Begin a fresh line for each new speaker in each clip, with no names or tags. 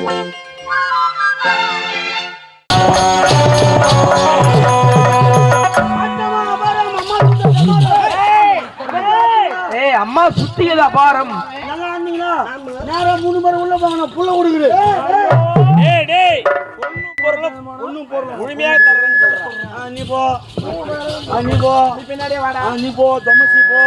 அம்மா சுத்தியது அபாரம்.
நல்லா ஆனீங்களா? நேரம் 3 மணி உள்ள போங்க, நான் புள்ள கொடுக்குறேன். ஒண்ணும் பொருள் முழுமையா தரேன்னு சொல்றேன். நீ போ, பின்னாடியே வாடா. நீ போ, தமசி போ.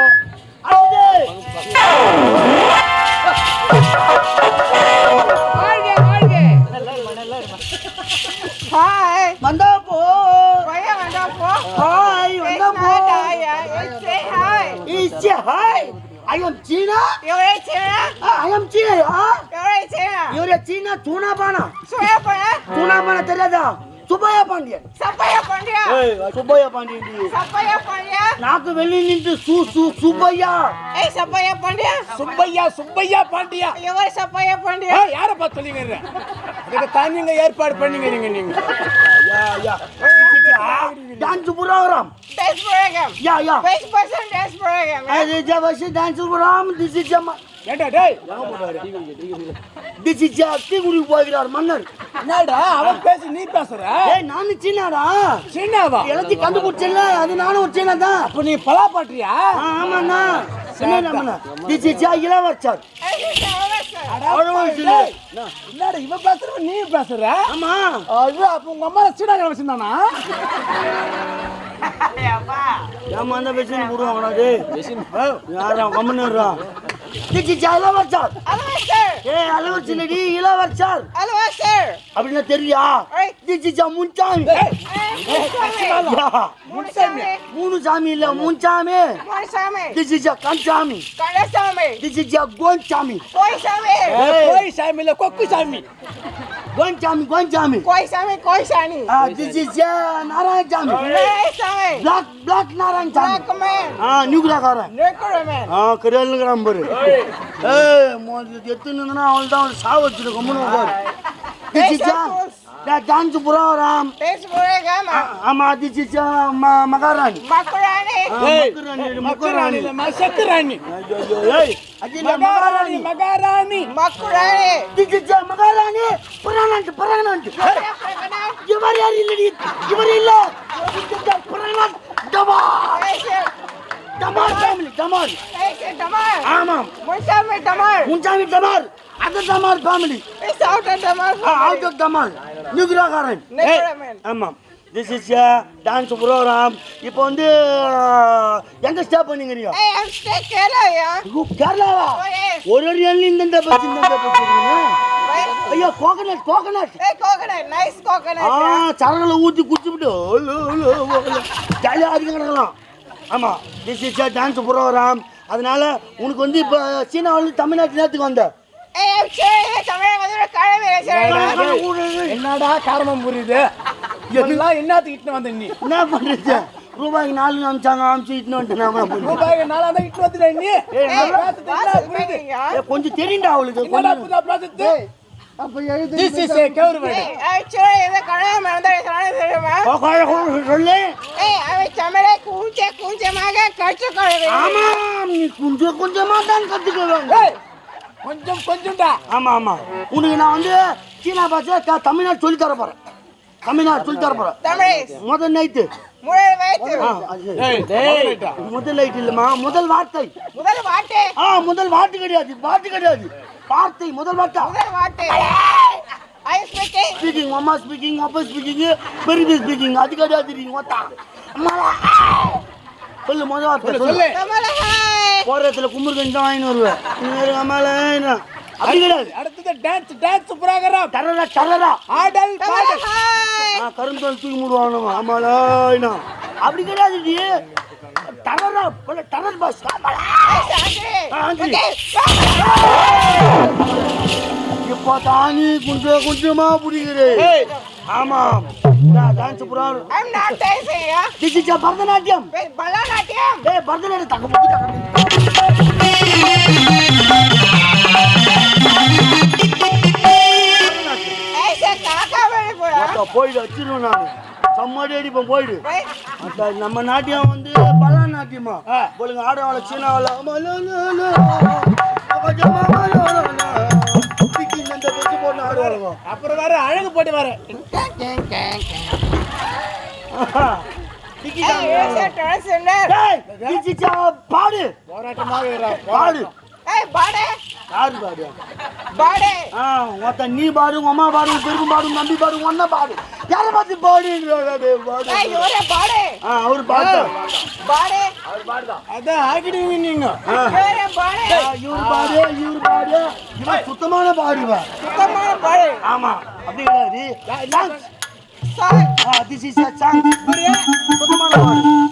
Hi.
வந்தா போ.
Why வந்தா போ?
Hi, வந்தா போ.
Say hi.
Say hi. I am China.
You're China.
I am China.
You're China.
You're China. Tuna bana.
Soya pana.
Tuna bana தெரியாதா? சுப்பையா பாண்டியன்.
சப்பையா பாண்டியா.
ஏய், சுப்பையா பாண்டியன் டி.
சப்பையா பாண்டியா.
நாக்கு வெளிய நின்னு சுப்பையா.
ஏய் சப்பையா பாண்டியா.
சுப்பையா பாண்டியா.
எவர் சப்பையா பாண்டியா?
ஏய் யாரை பார்த்து சொல்லிங்கற? இதுக்கு தானிங்க ஏற்பாடு பண்ணீங்க நீங்க.
Yeah. Dance program.
Dance program.
Yeah.
Which person dance program?
This is a dance program. This is a
ஏண்டா டேய்
This is a திகுடி போகிறார் மன்னர்.
என்னடா அவன் பேசி நீ பேசுற?
ஏய் நான் சீனாடா.
சீனாவா?
எல்லாத்தையும் கண்டுபிடிச்சல, அது நானும் ஒரு சீனா தான்.
அப்ப நீ பலா பாட்றியா?
ஆமாண்ணா. சீனாடா. This is a இளவரசர்.
என்னடா இவ பேசுற நீ பேசுற?
ஆமா.
ஐயோ அப்ப உங்க அம்மா சீனால வச்சிருந்தானா?
ஏமா அந்த வெச்சின் போடுவாங்கடா டேய். வெச்சின் யாரா கம்மனறா. This is a இளவரசர். ஏய் இளவரசர்டி இளவரசர். அப்படினா தெரியா? This is a Munsamy. Munsamy இல்ல Munsamy. This is a கன்சாமி. This is a கோன்சாமி.
கோய் சாமி இல்ல கொக்கு சாமி.
கோன்சாமி. This is a Narayanasamy. Black Narayanasamy. நியூக்ராகாரன். கரியல்ங்கறாம் பாரு. ஏய் மோதி எத்துனனா அவள்தான் சாவச்சிரு கம்முனு உட்கார். This is a dance program. ஆமா this is a மகாராணி. மகாராணி
இல்ல மசக்கராணி.
ஏய் அஜில
மகாராணி.
This is a மகாராணி. புராணன்ட். இவர் யார் இல்லடி? இவர் இல்ல. புராணன்ட் டமார் ஃபேமிலி டமார். ஆமாம். முன்சாமி டமார். அது டமார் ஃபேமிலி. அவுட் ஆஃப் டமார். நியூக்ராகாரன். ஆமாம். This is a dance program. இப்போ வந்து எங்க ஸ்டே பண்ணீங்கறியா? கேரளாவா? ஒரு எண்ணி இந்த பச்சிங்க. ஐயோ கோகனட். சரகளை ஊத்தி குடிச்சுட்டு ஜாலியா கிடக்கலாம். ஆமா this is a dance program. அதனால உனக்கு வந்து இப்ப சீனாவில தமிழ்நாட்டு நேத்துக்கு வந்த
என்னடா காரணம் புரியுது? எல்லாம் என்னத்துக்கு இட்டு வந்த நீ?
என்ன பண்றது? ரூபாய்க்கு 4 அமிச்சு இட்டு வந்துட்டேன்.
ரூபாய்க்கு 4 தான் இட்டு வந்துட்ட நீ?
கொஞ்சம் தெரியுண்டா அவளுக்கு. அப்ப எழுது
this is a கவர்மெண்ட்.
சொல்லு. ஆமா நீ கொஞ்சமா தான் கத்துக்கணும்.
கொஞ்சம்டா.
ஆமா உனக்கு நான் வந்து சீனா பாஷை தமிழ்நாடு சொல்லி தர போறேன். முதல் நைட்டு முதல் நைட் இல்லம்மா, முதல் வார்த்தை. முதல் வார்த்தை கிடையாது. வார்த்தை முதல் வார்த்தை. ஸ்பீக்கிங் அம்மா ஸ்பீக்கிங் அப்பா ஸ்பீக்கிங் பெரிய ஸ்பீக்கிங் அது கிடையாது. சொல்லு முதல் வார்த்தை சொல்லு. போறதுல கும்புர்கஞ்சி தான் வாங்கிட்டு வருவேன். அம்மால அப்படி கிடையாது.
அடுத்தது டான்ஸ் புரோகிராம்.
டரரா
ஆடல் பாடல்.
கருந்தல் தூக்கி மூடுவாங்க. அம்மால அப்படி கிடையாது. டரரா டரர் பாஸ். இப்போ தானி கொஞ்சமா புரிகிறேன். ஆமா dance program. This is a Bharatanatyam. Bharatanatyam தங்க போயிடு வச்சிருவேன் நான். சம்மாடி அடிப்பேன் போயிடு. நம்ம நாட்டியம் வந்து பலா நாட்டியமா போலுங்க ஆடவாள சீனாவால போட்டு ஆடுவாங்க. போ
அப்புறம் வர அழகு போட்டு வர
டிக்கி
Hey, where's your transgender?
டேய் டிச்சிச்சா பாடு
போராட்டமாக இருக்கிறா
பாடு
Hey, body.
யாரு பாடு
Body.
ஒருத்த நீ பாடு உங்க அம்மா பாடு உங்க பெருக்கும் பாடு உங்க நம்பி பாடு உங்க அண்ணன் பாடு யார பார்த்து பாடுன்றாரு பாடு
Hey, you're a body.
அவர் பாடு
Body.
அதான் ஆக்கிடுவீங்க நீங்க
You're a body.
இவர் பாடு இவன் சுத்தமான பாடுவா
Come on, body.
ஆமா அப்படி கிடையாது
Son.
திஸ் இஸ் சாங் சுத்தமான பாடு